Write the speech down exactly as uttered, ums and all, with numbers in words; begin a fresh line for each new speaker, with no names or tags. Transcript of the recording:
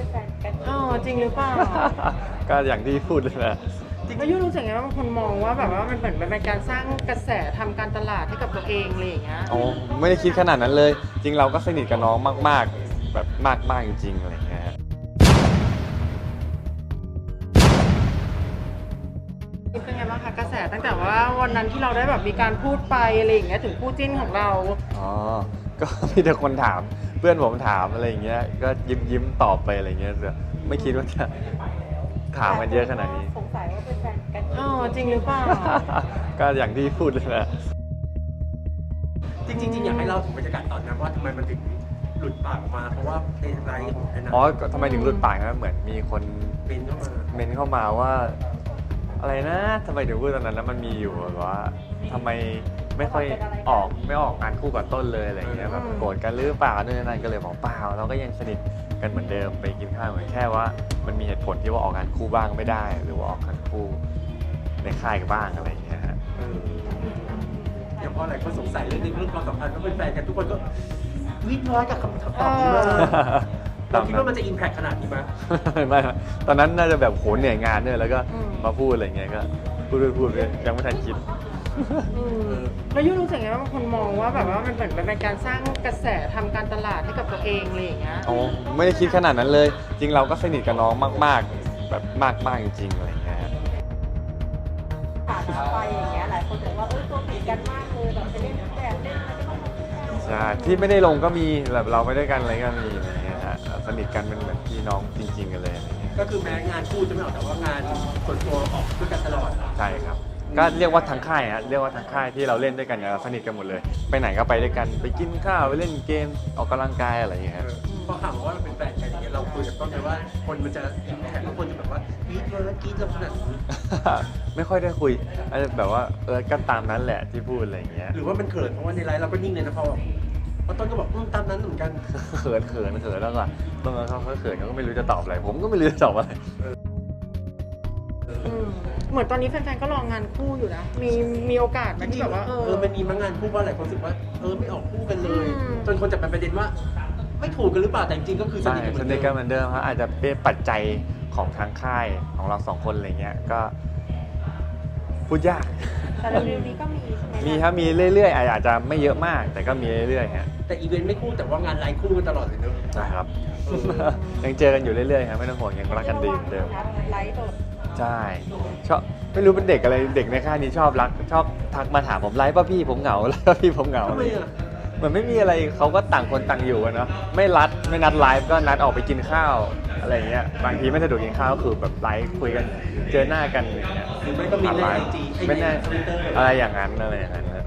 เป็นแฟนกัน
อ๋อจริงหรือเปล่า
ก็อย่างที่พูดเลยนะ
แล้วยูรู้สึกไงว่าบางคนมองว่าแบบว่ามันเหมือนเป็นการสร้างกระแสทำการตลาดให้กับตัวเองอะไรอย่างเงี้ย
อ๋อไม่ได้คิดขนาดนั้นเลย จริงเราก็สนิทกับน้องมากๆ แบบมากๆจริงๆอะไรอย่างเงี้ย
เป็นไงบ้างคะกระแสตั้งแต่ว่าวันนั้นที่เราได้แบบมีการพูดไปอะไรอย่างเงี้ยถึงคู่จิ้นของเรา
อ๋อ ก็มีแต่คนถาม เพื่อนผมถามอะไรอย่างเงี้ย ก็ยิ้มยิ้มๆตอบไปอะไรเงี้ยแต่ไม่คิดว่าจะถามกันเยอะขนาดนี้
สงสัยว่าเป็นแฟนกัน
อ๋อจริงหรือเปล่า
ก็อย่างที่พูดเลยนะ
จริงๆจริงๆอยากให้เล่าถึงบรรยากาศตอนนั้นว่าทำไมมันถึงหลุดปากออกมาเพราะว่าในไลฟ์ของแอนนา
อ๋อก็ทำไมถึงหลุดปากนะเหมือนมีคน
เป็นเข้ามา
เมนเข้ามาว่า อะไรนะทำไมถึงพูดตอนนั้นแล้วมันมีอยู่แบบว่าทำไมไม่ค่อยออกไม่ออกงานคู่กับต้นเลยอะไรอย่างเงี้ยแบบโกรธกันหรือเปล่านู่นนั่นก็เลยบอกเปล่าเราก็ยังสนิทกันเหมือนเดิมไปกินข้าวเหมือนแค่ว่า มันมีเหตุผลที่ว่าออกงานคู่บ้างไม่ได้ หรือว่าออกงานคู่ในค่ายกันบ้างอะไรอย่างเงี้ยฮะ
เอออย่างพอหลายคนสงสัยเรื่องในเรื่องความสัมพันธ์ก็เป็นแฟนกันทุกคนก็วิทย์ร้อยกับคำตอบนี้มากเราคิดว่ามันจะอิมแพคขนาดนี้ไหม
ไม่ไม่ตอนนั้นน่าจะแบบโหเหนื่อยงานเนี่ยแล้วก็
อืม
มาพูดอะไรเงี้ยก็พูดพูดพูดยังไม่ทันคิด
อืมแล้วยูรู้สึกไงว่าบางคนมองว่าแบบว่ามันเหมือนเป็นการสร้างกระแสทำการตลาดให้กับตัวเองอะไรอย่างเงี้ย
อ๋อไม่ได้คิดขนาดนั้นเลย จริงเราก็สนิทกับน้องมากๆ แบบมากๆจริงๆอะไรเงี้ย
ผ่านมาไปอย่างเงี้ยหลายคนถึงว่าเออตัวติดกันมากเลยแบบไปเล่นแบบเล่นอะไรก็ต้องมาคู่กัน
ใช่ที่ไม่ได้ลงก็มีแบบเราไปด้วยกันอะไรก็มีอะไรเงี้ยฮะสนิทกันเป็นเหมือนพี่น้องจริง ๆกันเลยอะไรเงี้ย
ก็คือแม้งานคู่จะไม่ออกแต่ว่างานส่วนตัวออกด้วยกันตลอด
ใช่ครับก็เรียกว่าทั้งค่ายฮะเรียกว่าทั้งค่ายที่เราเล่นด้วยกันเนี่ยเราสนิทกันหมดเลย ไปไหนก็ไปด้วยกันไปกินข้าวไปเล่นเกมออกกำลังกายอะไรอย่างเงี้ย
เอ
ฮะ
อพอข่าวว่าเราเป็นแฟนกันอย่างเงี้ยเราคุยกับต้นเลยว่าคนมันจะอิมแพคแล้วคนจะแบบว่าวีดเลยกรีดเราขนาดนี้
ไม่ค่อยได้คุยอาจจะแบบว่าเออก็ตามนั้นแหละที่พูดอะไรอย่างเงี้ย
หรือว่ามันเขินเพราะว่าในไลฟ์เราก็นิ่งเลยนะพอพอต้นก็บอกอืมตามนั้นเหมือนกัน
เขินเขินเขินแล้วก็ตรงนั้นเขาเขินเขาก็ไม่รู้จะตอบอะไร ผมก็ไม่รู้จะตอบอะไร
อืมเหมือนตอนนี้แฟนๆก็รองานคู่อยู่นะ มีมีโอกาสไหม
จริ
ที่
ง
แบบ
ๆ
ว่าเอ
เอ
อ
อมันมีมางานคู่ว่าหลายคนรู้สึกว่าเออไม่ออกคู่กันเลย
อืม
จนคนจับเป็นประเด็นว่า ไม่ถูกกันหรือเปล่าแต่จริงๆก็คือส
ใช่
นิทกันเห
ส
มือน
นิท
เดิ
กัน
ม
เหมือนเดิมครับอาจจะเป็นปัจจัยของทางค่ายของเราสองคนอะไรเงี้ยก็พูดยาก
แต่เร็วๆนี้ก็มีใช่ไหม
มีครับมีเรื่อยๆอาจจะไม่เยอะมาก แต่ก็มีเรื่อยๆฮะ
แต่อีเวนต์ไม่คู่แต่ว่างานไลฟ์คู่กันตลอดเลยเนอะ
นะครับ
เออ
ยังเจอกันอยู่เรื่อยๆครับไม่ต้องห่วงยังรักกันดีเหมือนเดิม
ไลฟ์สด
ใช่ชอบไม่รู้เป็นเด็กอะไรเด็กในค่ายนี้ชอบรักชอบทักมาถามผมไลฟ์ป่ะพี่ผมเหงาไลฟ์ป่ะพี่ผมเหงา
ทำไมอ่ะ
เหมือนไม่มีอะไรเขาก็ต่างคนต่างอยู่อะเนาะไม่รัดไม่นัดไลฟ์ก็นัดออกไปกินข้าวอะไรอย่างเงี้ยบางทีไม่สะดวกกินข้าวก็คือแบบไลฟ์คุยกันเจอหน้ากันอย่างเงี้ย
หรือไม่ก็มีในไอจี
ไม่แน่
ทวิตเตอร์
อะไรอย่างนั้นอะไรอย่างนั้นนะ